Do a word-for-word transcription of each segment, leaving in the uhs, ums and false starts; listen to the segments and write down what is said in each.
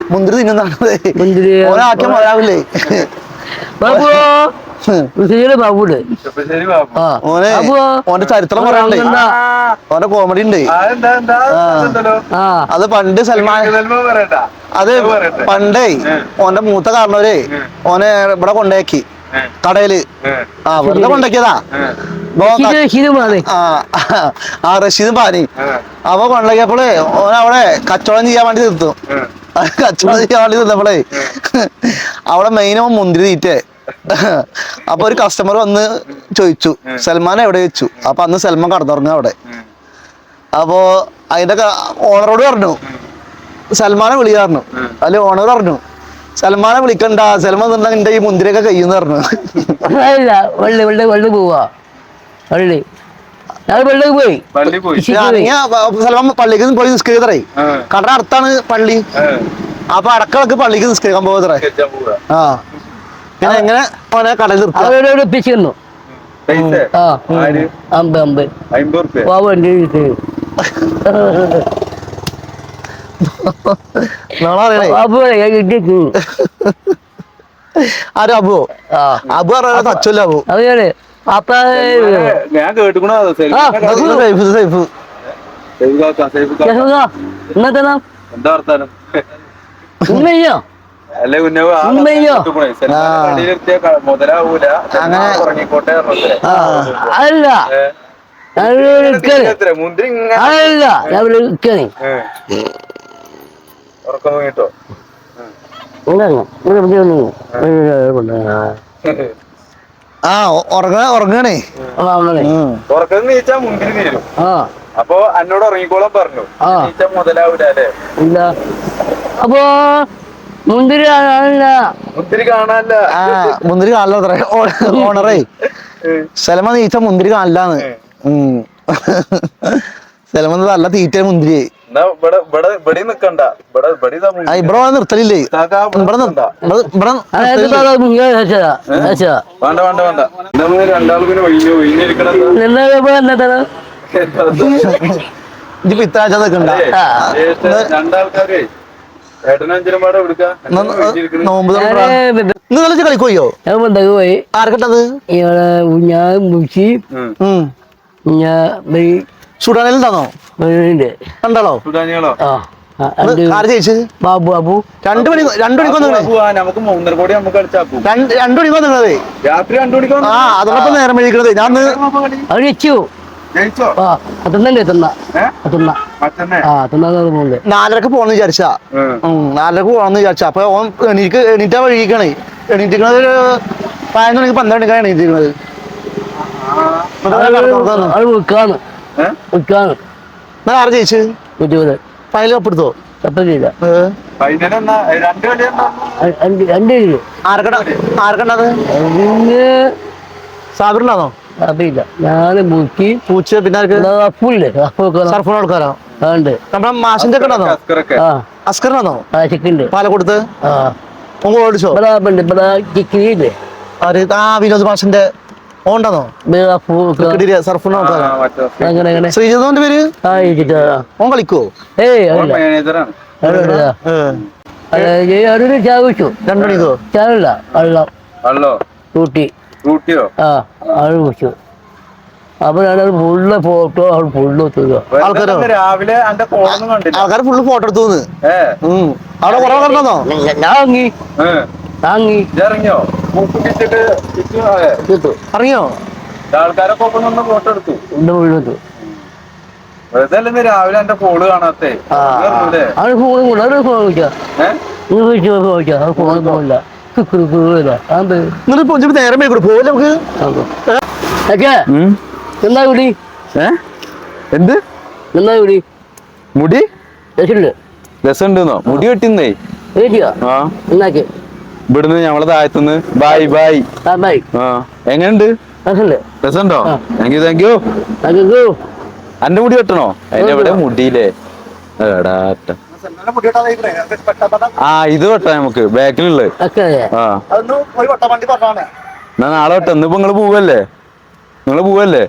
മുന്തിരി തിന്നുന്നതാണ് ഒരാക്കിയ മഴാവില്ലേ ബാബുണ്ട് ഓനെ ഓന്റെ ചരിത്രം പറയാനുണ്ട് ഓന്റെ കോമഡി ഉണ്ട് അത് പണ്ട് സൽമാൻ അത് പണ്ടേ ഓന്റെ മൂത്ത കാരണവരെ ഓനെ ഇവിടെ കൊണ്ടേക്കി കടയില് ആ വെറുതെ കൊണ്ടാക്കിയതാ ആ റഷീദും പാനി അപ്പൊ കൊണ്ടാക്കിയപ്പോളേ ഓനവിടെ കച്ചവടം ചെയ്യാൻ വേണ്ടി നിർത്തും കച്ചവടം ചെയ്യാൻ വേണ്ടി നിർത്തപ്പോളേ അവിടെ മെയിൻ മുന്തിരി തീറ്റേ അപ്പൊ ഒരു കസ്റ്റമർ വന്ന് ചോദിച്ചു സൽമാൻ എവിടെ വെച്ചു അപ്പൊ അന്ന് സൽമാൻ കടന്നുറങ്ങുക അവിടെ അപ്പോ അതിന്റെ ഓണറോട് പറഞ്ഞു സൽമാനെ വിളിക്കാറുണ്ട് അതില് ഓണർ പറഞ്ഞു സൽമാനെ വിളിക്കണ്ട സൽമാൻ നിന്നാ നിന്റെ ഈ മുന്തിരിയൊക്കെ കഴിയുന്ന പറഞ്ഞു പോയി സൽമാൻ പള്ളിക്ക് പോയി നിസ്കരിക്കറേ കട അടുത്താണ് പള്ളി അപ്പൊ അടക്കളക്ക് പള്ളിക്ക് നിസ്കരിക്കാൻ പോകത്രേ ആ പിന്നെ എങ്ങനെ ഓനെ കടയിൽ നിർത്തിക്കുന്നു ആരും അബു അബു അറിയാ തച്ചല്ല അബു അപ്പൊ ഞാൻ കേട്ടിക്കണോ എന്താ വർത്താനം അല്ലെ മുതലാവൂല ഉറങ്ങിക്കോട്ടെ അല്ല മുന്തിരി അല്ല ഉറക്കം തൂങ്ങിട്ടോ ആ ഉറങ്ങ ഉറങ്ങണേ ഉറക്കം നീച്ചാ മുന്തിരി തീരും അപ്പൊ എന്നോട് ഉറങ്ങിക്കോളാൻ പറഞ്ഞു നീച്ചാ മുതലാവൂല അല്ലേ ഇല്ല അപ്പൊ മുന്തിരി കാണാനില്ല മുന്തിരി കാണാനില്ല ആ മുന്തിരി കാണില്ല ഓണറേ സലമ നീച്ച മുന്തിരി കാണില്ലാന്ന് സലമ നല്ല തീറ്റ മുന്തിരി ഇവിടെ നിർത്തലില്ലേ ഇവിടെ ഇതിപ്പോ ഇത്താഴ്ച നിൽക്കണ്ട നോമ്പ് ഇന്ന് കളിക്കോയോ പോയി ആർക്കട്ടത് ഞാൻ മുച്ചി ഞാൻ സുഡാനിലുണ്ടാന്നോ കണ്ടാളോ ആര് ജയിച്ചു ബാബു ബാബു രണ്ടു മണി രണ്ടു മണിക്ക് നമുക്ക് മൂന്നര കോടി നമുക്ക് കളിച്ചാക്കും രണ്ടു മണിക്ക് വന്നിരുന്നത് രാത്രി രണ്ടു മണിക്ക് ആ അതോടൊപ്പം നേരം വിളിക്കണത് ഞാൻ അവര് വെച്ചു നാലരക്ക് പോണെന്ന് വിചാരിച്ചാ നാലരക്ക് പോണെന്ന് വിചാരിച്ച അപ്പൊ ഓൻ എണീക്ക് എണീറ്റാ വഴിക്കണേ എണീറ്റിക്കണത് ഒരു പതിനൊന്ന് മണിക്ക് പന്ത്രണ്ട് മണിക്കാണ് എണീറ്റിരിക്കണത് ആര് ജയിച്ചു ഫൈനൽ കപ്പെടുത്തോ ആർക്കണ്ടത് സാബിറിനാണോ അറിയില്ല ഞാന് മുക്കി പൂച്ച പിന്നെ സർഫോൺ ആൾക്കാരോ നമ്മുടെ മാഷിന്റെ ഒക്കെ ഉണ്ടോ അസ്കറിനാണോ ചിക്കുണ്ട് പാലക്കൊടുത്ത് ഓടിച്ചോ ആ വിനോദ് മാഷിന്റെ ഓണ്ടോ സർഫോൺ ആൾക്കാരോ ശ്രീജിതോന്റെ പേര് ഓൻ കളിക്കോ ചാവിച്ചു രണ്ടു മണിക്കോ ചാവില്ല വെള്ളം കൂട്ടി കൂട്ടിയോ ആ ആള് വിളിച്ചു അപ്പൊ ഞാനത് ഫുള്ള് ഫോട്ടോ അവൾ ഫുള്ള് ആൾക്കാരോ രാവിലെ ആൾക്കാർ ഫുള്ള് ഫോട്ടോ എടുത്തു അവിടെ കുറെ കണ്ടോ ഞാങ്ങി താങ്ങി ഇറങ്ങിയോ ഇറങ്ങിയോ ആൾക്കാരൊക്കെ ഒപ്പം നിന്ന് ഫോട്ടോ എടുത്തു ഫുള്ളെടുത്തു വെറുതെ രാവിലെ എന്റെ ഫോണ് കാണാത്തേ അവര് ഫോൺ കൂടെ അവര് ഫോൺ വിളിക്കാം ഫോൺ പോകില്ല നേരം കൂടെ പോലെ നമുക്ക് എന്താ കുടി എന്ത് എന്താ കുടി മുടി രസമുണ്ട് രസമുണ്ടെന്നോ മുടി വെട്ടിന്നേ എന്നാക്കി ഇവിടുന്ന് ഞമ്മളെ താഴത്തുനിന്ന് ബായ് ബായ് ബായ് ആ എങ്ങനെയുണ്ട് രസമുണ്ടോ താങ്ക് യു താങ്ക് യു അന്റെ മുടി വെട്ടണോ അതിന്റെ എവിടെ മുടിയില്ലേ എടാട്ട ആ ഇത് വെട്ടാ നമുക്ക് ബാക്കിലുള്ളത് ആ എന്നാ നാളെ വെട്ട ഇന്നിപ്പോ നിങ്ങള് പോവല്ലേ നിങ്ങള് പോവല്ലേ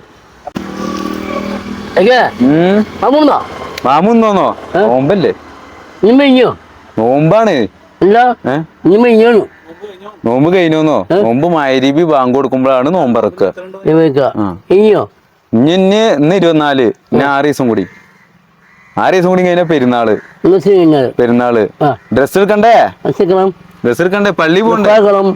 മാമുന്നോന്നോ ഓമ്പല്ലേ നോമ്പാണ്. അല്ല ഏ നീ മെയ്യാണു നോമ്പ് കഴിഞ്ഞോന്നോ? നോമ്പ് മഗ്‌രിബി ബാങ്ക് കൊടുക്കുമ്പോഴാണ് നോമ്പറക്കുക. ആ. ഇനിയോ ഇനി ഇനി ഇന്ന് ഇരുപത്തിനാല്, ഇനി ആറ് ദിവസം കൂടി, ആറ് ദിവസം കൂടി കഴിഞ്ഞാൽ പെരുന്നാള്. പെരുന്നാള് ഡ്രസ് എടുക്കണ്ടേ? ഡ്രസ് എടുക്കണ്ടേ? പള്ളി പോണ്ടേ?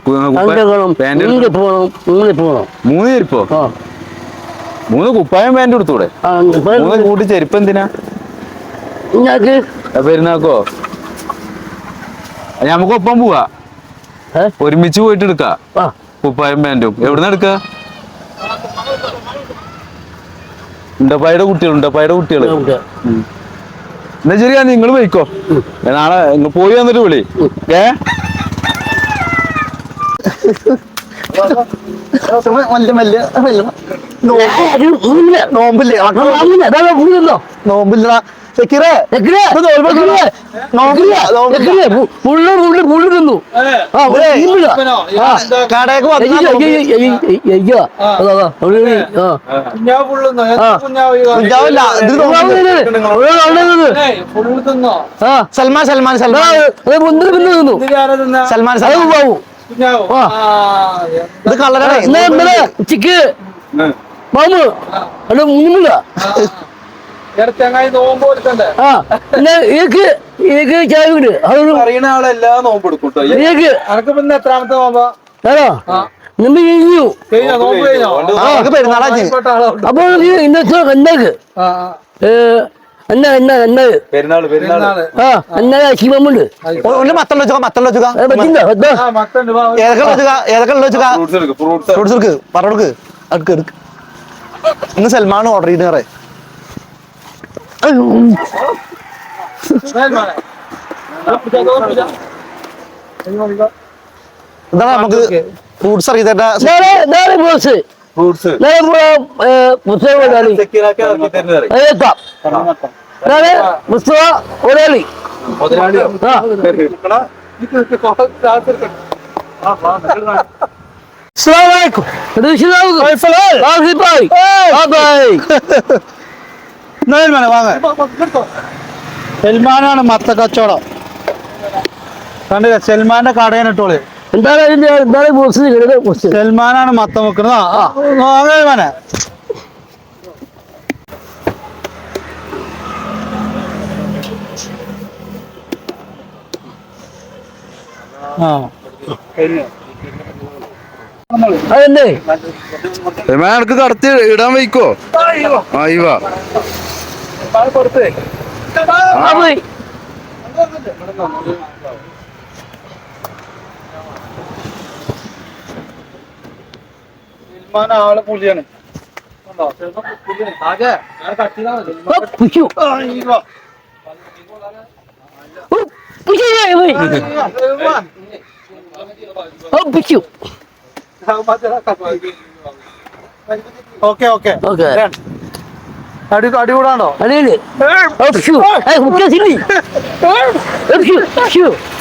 മൂന്ന് ചെരുപ്പോ? മൂന്ന് കുപ്പായം പാൻറ് എടുത്തൂടെ? മൂന്ന് കൂട്ടി ചെരുപ്പ് എന്തിനാ പെരുന്നാക്കോ? നമുക്കൊപ്പം പോവാ, ഒരുമിച്ച് പോയിട്ട് എടുക്ക കുപ്പായം പാൻറ്റും. എവിടുന്ന് എടുക്ക? ഉണ്ടപ്പായുടെ കുട്ടികൾ, ഉണ്ടപ്പായുടെ കുട്ടികള്. എന്നാ ശരിയാ, നിങ്ങള് പോയിക്കോ, നാളെ പോയി വന്നിട്ട് വിളി. ഏ നോമ്പില്ലേ? നോമ്പില്ല സെക്കിറേ, കടയൊക്കെ സൽമാൻ സൽമാൻ സൽമാൻ സൽമാൻ ഇത് കളറാണ്. ഉച്ചക്ക് മാമു അത് മൂന്നില്ല. അറിയണ ആളെല്ലാ നോമ്പ് എടുക്കും. എത്രാമത്തെ നോമ്പാ? നമ്മൾ കഴിഞ്ഞു. പെരുന്നാളാ. അപ്പൊ ഇന്നത്തെ എന്നാക്ക് എന്നാ എന്നാ എന്നാ പെരുന്നാള് പെരുന്നാള് ആ എന്നാ ശിവമുണ്ട് മത്തം വെച്ചുക, മത്തം വെച്ചുക, ഏതൊക്കെ വെച്ചുക, ഏതൊക്കെ വെച്ചുക, ഫ്രൂട്ട്സ് എടുക്ക്, പറഞ്ഞെടുക്ക്, അടുക്ക് എടുക്ക്. ഇന്ന് സൽമാൻ ഓർഡർ ചെയ്ത് കറേ എന്താ നമുക്ക് ഫ്രൂട്ട്സ് അറിയില്ല. ഫ്രൂട്ട്സ് ഫ്രൂട്ട്സ് പുസ്തകം ഒരാളി സൽമാനാണ് മത്ത കച്ചവടം. കണ്ടില്ല, സൽമാന്റെ കടയാണ് ഇട്ടോള്. എന്താണ് എന്താണ് ബോസ്? സൽമാനാണ് മത്തം വെക്കുന്നത്. സൽമാനെ ആ അതല്ലേ എനിക്ക് കടത്തി ഇടാൻ വയ്ക്കോ? ആയിവാ ആള് പുലിയാണ്. ഓക്കെ ഓക്കെ ഓക്കെ അടി അടികൂടാണ്ടോ? അടിയില്